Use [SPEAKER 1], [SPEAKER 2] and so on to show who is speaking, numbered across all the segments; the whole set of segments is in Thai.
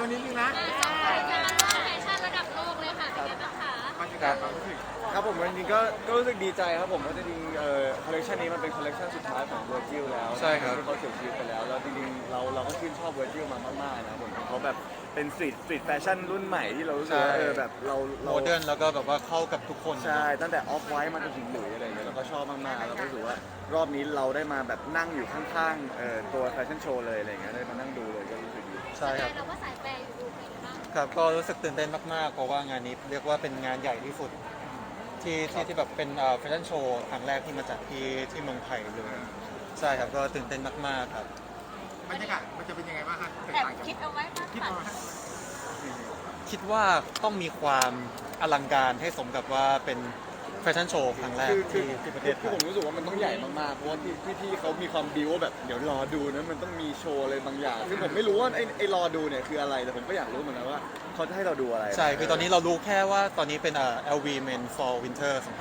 [SPEAKER 1] วันนี้จริงนะ
[SPEAKER 2] สองคนจะมาร่วมแฟชั่นระดับโลกเลยค่ะเป็นไงบ้างคะ
[SPEAKER 1] บรรยากาศความรู้สึก
[SPEAKER 3] ครับผมจริงๆก็รู้สึกดีใจครับผมเพราะจริงๆคอลเลคชันนี้มันเป็นคอลเลคชันสุดท้ายของ Virgil แล้ว
[SPEAKER 4] ใช่ครับ
[SPEAKER 3] ที่เขาเสียชีวิตไปแล้วจริงๆเราก็ชื่นชอบ Virgil มามากๆนะผมเขาแบบเป็นสตรีทแฟชั่นรุ่นใหม่ที่เรารู้สึกว่าแบบเรา
[SPEAKER 4] โมเดิร์นแล้วก็แบบว่าเข้ากับทุกคน
[SPEAKER 3] ใช่ตั้งแต่ออฟไวท์มาจนถึงหลุยอะไรอย่างเงี้ยเราก็ชอบมากๆแล้วก็รู้สึกว่ารอบนี้เราได้มาแบบนั่งอยู่ข้างๆตัวแฟชั่นโชว์เลยอะไรอย่างเงี้ยได้มานั่งดูเลยก็รู้สึกดี
[SPEAKER 4] ใช่ครับ
[SPEAKER 2] เราก็สายแปรอยู่ดูเป็นบ้าง
[SPEAKER 4] ครับก็รู้สึกตื่นเต้นมากๆเพราะว่างานนี้เรียกว่าเป็นงานใหญ่ที่สุดที่แบบเป็นแฟชั่นโชว์ครั้งแรกที่มาจัดที่เมืองไทยเลยใช่ครับก็ตื่นเต้นมากๆครับ
[SPEAKER 1] บรรยากาศมันจะเป็นยังไงบ้างครับ
[SPEAKER 2] แอบคิดเอาไว้บ้าง
[SPEAKER 1] คิด
[SPEAKER 2] ค่ะ
[SPEAKER 1] เอาไว้
[SPEAKER 4] คิดว่าต้องมีความอลังการให้สมกับว่าเป็นแฟชั่นโชว์ครั้งแรกที่ประเทศไท
[SPEAKER 3] คือย ผมรู้สึกว่ามันต้องใหญ่มากๆเพราะว่าพี่เขามีความบิวว่าแบบเดี๋ยวรอดูนะมันต้องมีโชว์อะไรบางอย่างซึ่งผมไม่รู้ว่าไอ้รอดูเนี่ยคืออะไรแต่ผมก็อยากรู้เหมือนกันว่าเขาจะให้เราดูอะไร
[SPEAKER 4] ใช่คือตอนนี้เรารู้แค่ว่าตอนนี้เป็น LV Men Fall Winter
[SPEAKER 3] ใช่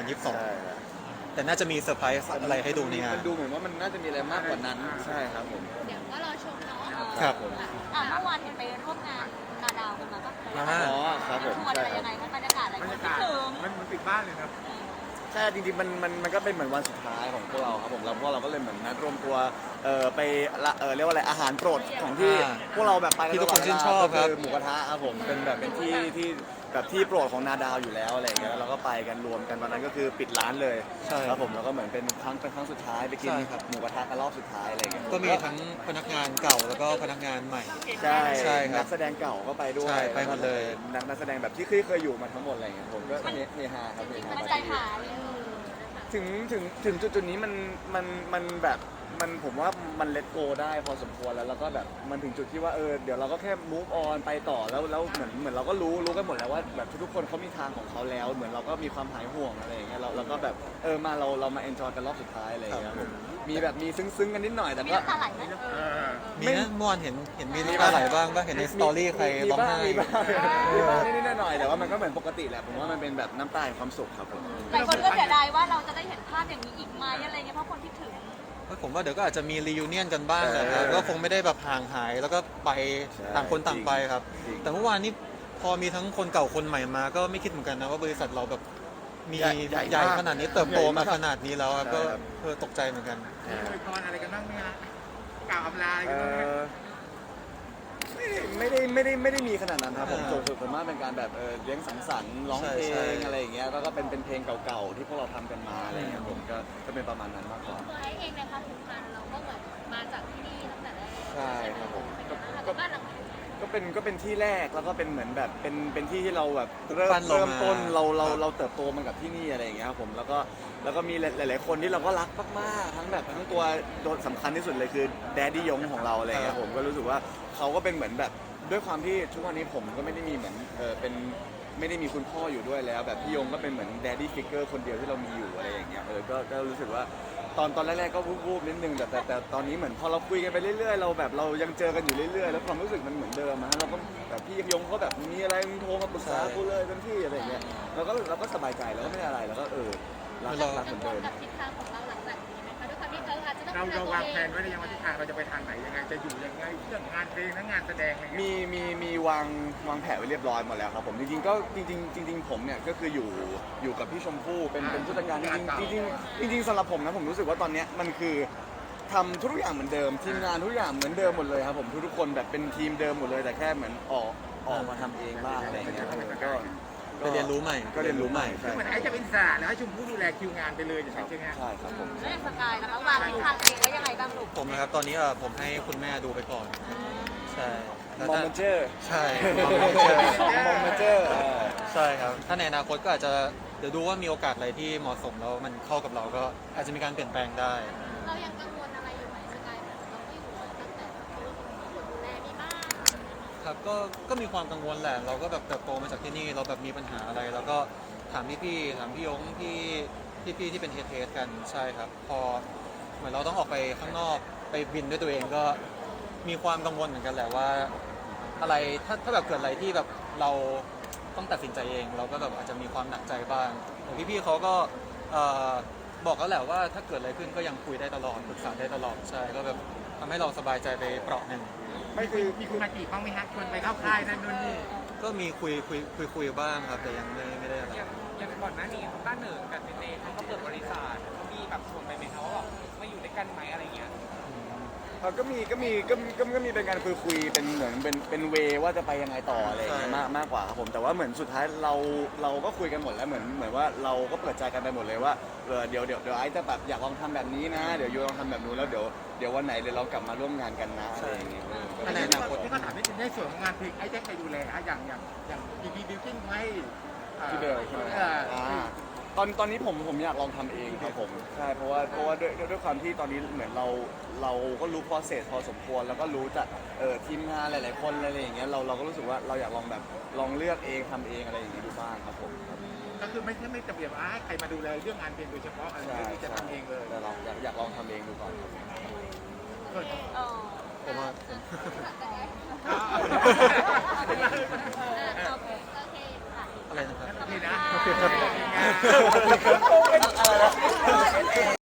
[SPEAKER 4] 2022 แต่น่าจะมีเซอร์ไพรส์อะไรให้ดูในงาน
[SPEAKER 3] มันดูเหมือนว่ามันน่าจะมีอะไรมากกว่านั้นใช่ครับผม
[SPEAKER 2] เดี๋ยวก็รอชมเนาะ
[SPEAKER 4] ครับ
[SPEAKER 2] เมื่อวานเห็นไปร่วมงานนาดาวกันมาปะ
[SPEAKER 3] อ๋อครับผม
[SPEAKER 2] ชวนอะไรยังไงบรรยากาศอะไร
[SPEAKER 1] บรร
[SPEAKER 2] คิ
[SPEAKER 1] ยา
[SPEAKER 2] ด
[SPEAKER 1] กาศ
[SPEAKER 2] ถึง
[SPEAKER 1] มันปิดบ้านเลยครับ
[SPEAKER 3] ใช่จริงๆมันก็เป็นเหมือนวันสุดท้ายของพวกเราครับผมแล้วพวกเราก็เลยเหมือนนัดรวมตัวไปเรียกว่าอะไรอาหารโปรดของที่พวกเราแบบไป
[SPEAKER 4] ที่ทุกคนชื่นชอบครับ
[SPEAKER 3] คือหมูกระทะครับผมเป็นแบบเป็นที่แบบที่โปรดของนาดาวอยู่แล้วอะไรอย่างเงี้ยแล้วเราก็ไปกันรวมกันวันนั้นก็คือปิดร้านเลย
[SPEAKER 4] ใช่
[SPEAKER 3] ครับผมแล้วก็เหมือนเป็นครั้งสุดท้ายไปกิน
[SPEAKER 4] ใช่ครับ
[SPEAKER 3] หมูกระทะกันรอบสุดท้ายอะไรอย่างเงี้ย
[SPEAKER 4] ก็มีทั้งพนักงานเก่าแล้วก็พนักงานใหม่
[SPEAKER 3] ใช่
[SPEAKER 4] ใช่ครับ
[SPEAKER 3] นักแสดงเก่าก็ไปด้วย
[SPEAKER 4] ใช่ไปหมดเลย
[SPEAKER 3] นักแสดงแบบที่เคยอยู่มาทั้งหมดอะไรอย่างเงี้ยผมก็เฮฮาครับเฮฮา
[SPEAKER 2] มันใจหาย
[SPEAKER 3] ถึงจุดนี้มันแบบมันผมว่ามันเล t โกได้พอสมควรแล้วก็แบบมันถึงจุดที่ว่าเดี๋ยวเราก็แค่ move on ไปต่อแล้วเหมือนเราก็รู้กันหมดแล้วว่าแบบทุกคนเขามีทางของเขาแล้ว เหมือนเราก็มีความหายห่วงอะไรอย่างเงี้ยเราก็แบบมาเรามา enjoy กันรอบสุดท้ายอะไรอย่างเงี้ยผมมีแบบมีซึ้งกันนิดหน่อยแต่
[SPEAKER 2] มี
[SPEAKER 3] ก็
[SPEAKER 2] น้ำตาไหลไหม
[SPEAKER 4] มีนะเมื่อวานเห็นมีน้ำตาไหลบ้างก็เห็นในสตอรี่ใครร้องไห้
[SPEAKER 3] มีบ้างนิดๆหน่อยๆแต่ว่ามันก็เหมือนปกติแหละผมว่ามันเป็นแบบน้ำตาแห่งความสุขครับผม
[SPEAKER 2] หลายคนก็เสียดายว่าเราจะได้เห็นภาพอย่างนี้อีกไหมอะไรเงี้ยเพราะคนคิดถึง
[SPEAKER 4] ผมว่าเดี๋ยวก็อาจจะมีรี u n เนียนกันบ้างแหละครับก็คงไม่ได้แบบห่างหายแล้วก็ไปต่างคนต่างไปครับ แต่เมื่อวานนี้พอมีทั้งคนเก่าคนใหม่มาก็ไม่คิดเหมือนกันนะว่าบริษัทเราแบบมีใหญ่ขนาดนี้เติบโตมาขนาดนี้แล้วครับก็ตกใจเหมือนกัน
[SPEAKER 1] มีอวยพรอะไรกันบ้างไหมฮะกล่าวอำลาอะไรกันบ้างไหม
[SPEAKER 3] ไม่ได้มีขนาดนั้นครับผมส่วนมากเป็นการแบบเลี้ยงสังสรรค์ร้องเพล
[SPEAKER 4] ใช่
[SPEAKER 3] งอะไรอย่างเงี้ยแล้วก็เป็นเพลงเก่าๆที่พวกเราทำกันมาอะไรอย่างเงี้ยผมก็เป็นประมาณนั้นมากกว่า
[SPEAKER 2] ตัวเองในความผูกพันเราก็เหมือนมาจากที่นี่ตั้งแต่แรก
[SPEAKER 3] ใช่ครับผม
[SPEAKER 2] ก็บ้านหลัง
[SPEAKER 3] ก็เป็นที่แรกแล้วก็เป็นเหมือนแบบเป็นที่ที่เราแบบเริ่
[SPEAKER 4] ปั้นเรา
[SPEAKER 3] มต้น
[SPEAKER 4] มา
[SPEAKER 3] เราเติบโตมากับที่นี่อะไรอย่างเงี้ยครับผมแล้วก็มีหลายๆคนที่เราก็รักมากๆทั้งตัวโดนสำคัญที่สุดเลยคือแดดดี้ยงของเราอะไรอย่างเงี้ยผมก็รู้สึกว่าเขาก็เป็นเหมือนแบบด้วยความที่ทุกวันนี้ผมก็ไม่ได้มีเหมือนเป็นไม่ได้มีคุณพ่ออยู่ด้วยแล้ว แบบพี่ยงก็เป็นเหมือนแดดดี้ฟิกเกอร์คนเดียวที่เรามีอยู่อะไรอย่างเงี้ยก็รู้สึกว่าตอนแรกๆก็วูบๆนิดนึงแต่ตอนนี้เหมือนพอเราคุยกันไปเรื่อยๆเราแบบเรายังเจอกันอยู่เรื่อยๆแล้วความรู้สึกมันเหมือนเดิมนะเราก็แบบพี่ยงเขาแบบมีอะไรมึงโทรมาปรึกษากูเลยเป็นที่อะไรอย่างเงี้ยเราก็สบายใจแล้วก็ไม่ได้อะไรแล้วก็รักเหมือนเดิม
[SPEAKER 2] กับทิศทางของเราหลังจากนี้ไหมคะด้วยความที่อาจจะต้อง
[SPEAKER 1] เราวางแผนไว้หรือยังว่าทิศทางเราจะไปทางไหนยังไงจะอยู่ยังไงเรื่องงานเพลงและงานแสดงอะไรเงี้ย
[SPEAKER 3] มีวางแผนไว้เรียบร้อยหมดแล้วครับผมจริงผมเนี่ยก็คืออยู่กับพี่ชมพู่เป็นผู้จัดการจริงสำหรับผมนะผมรู้สึกว่าตอนเนี้ยมันคือทำทุกอย่างเหมือนเดิมทีมงานทุกอย่างเหมือนเดิมหมดเลยครับผมทุกคนแบบเป็นทีมเดิมหมดเลยแต่แค่เหมือนออกมาทำเองบ้างอะไรอย่างเงี้ยก็
[SPEAKER 4] ไปเรียนรู้ใหม่
[SPEAKER 3] ก็เรียนรู้ใหม่
[SPEAKER 1] คือ
[SPEAKER 3] ใช่
[SPEAKER 1] เหมือนไอ้จะเป็นอิสระแล้วให้ชมพู่ดูแลคิวงานไปเลยอย่างเงี้ย
[SPEAKER 3] ใช่ครับผม
[SPEAKER 2] เรื่องสกายนะคะวางทิศทางเองไว้ยังไงบ้างลูก
[SPEAKER 4] ผมนะครับตอนนี้ผมให้คุณแม่ดูไปก่อนใช่แล้ว
[SPEAKER 3] มอ
[SPEAKER 4] ถ้าม
[SPEAKER 3] เจอร์
[SPEAKER 4] ใช่
[SPEAKER 3] มอมเจอร์
[SPEAKER 4] ใช่ครับถ้าในอนาคตก็อาจจะเดี๋ยวดูว่ามีโอกาสอะไรที่เหมาะสมแล้วมันเข้ากับเราก็อาจจะมีการเปลี่ยนแปลงได้
[SPEAKER 2] เรายังกังวลอะไรอยู่ไหมสกายแบบเราไม่อยู่ตั้งแต่คนดูแลมีบ้าง
[SPEAKER 4] ครับก็มีความกังวลแหละเราก็แบบเติบโตมาจากที่นี่เราแบบมีปัญหาอะไรแล้วก็ถามพี่ถามพี่ยงพี่ที่เป็นเฮดกันใช่ครับพอเหมือนเราต้องออกไปข้างนอกไปบินด้วยตัวเองก็มีความกังวลเหมือนกันแหละว่าอะไรถ้าแบบเกิดอะไรที่แบบเราต้องตัดสินใจเอง เราก็แบบอาจจะมีความหนักใจบ้างแต่พี่เขาก็บอกแล้วแหละว่าถ้าเกิดอะไรขึ้นก็ยังคุยได้ตลอดปรึกษาได้ตลอดใช่ก็แบบทำให้เราสบายใจไปเปราะหนึ่ง
[SPEAKER 1] ไม่คือมีคุณมาจีบบ้างไหมฮะชวนไปเข้าค่ายนั่นนู่นนี่
[SPEAKER 4] ก็มีคุยบ้างครับแต่ยังไม่ได้อะไร
[SPEAKER 5] อย่างก่อนหน้านี้ต้าเหนิงกับเจเจเขาก็เปิดบริษัทเขามีแบบชวนไปไหมคะว่าแบบมาอยู่ด้วยกันไหมอะไรเงี้ย
[SPEAKER 3] ก็มีเป็นการคุยเป็นเหมือนเป็นเวว่าจะไปยังไงต่ออะไรอย่างเงี้ยมากกว่าครับผมแต่ว่าเหมือนสุดท้ายเราก็คุยกันหมดแล้วเหมือนว่าเราก็เปิดใจกันไปหมดเลยว่าเดี๋ยวไอ้จะแบบอยากลองทำแบบนี้นะเดี๋ยวยูลองทำแบบนู้นแล้วเดี๋ยววันไหนเดี๋ยวเรากลับมาร่วมงานกันนะอะไรอย่างเงี้ย
[SPEAKER 1] อันนี้ที่เขาถามในส่วนของงานเพลงไอ้แจ็คใครดูแลฮะอย่างดีดีบิวกิ้งให้
[SPEAKER 3] ที่เบลใช่ไหมตอนนี้ผมอยากลองทำเองครับผมใช่เพราะว่าด้วยความที่ตอนนี้เหมือนเราก็รู้ process พอสมควรแล้วก็รู้จากทีมงานหลายๆคนอะไรอย่างเงี้ยเราก็รู้สึกว่าเราอยากลองเลือกเองทำเองอะไรอย่างเงี้ยดูบ้างครับผม
[SPEAKER 1] ก็คือไม่จำเป็นว่าใครมาดูแลเรื่องงานเพลงโดยเฉพาะอะไรที่จะทำเองเลย
[SPEAKER 3] แต่เราอยากลองทำเองดูก่อนครับ
[SPEAKER 4] ผมว่า
[SPEAKER 2] โอเคค่ะ
[SPEAKER 4] อะไรนะครับ
[SPEAKER 1] โอเคนะ
[SPEAKER 2] โอเคครับ
[SPEAKER 3] อะไรนะ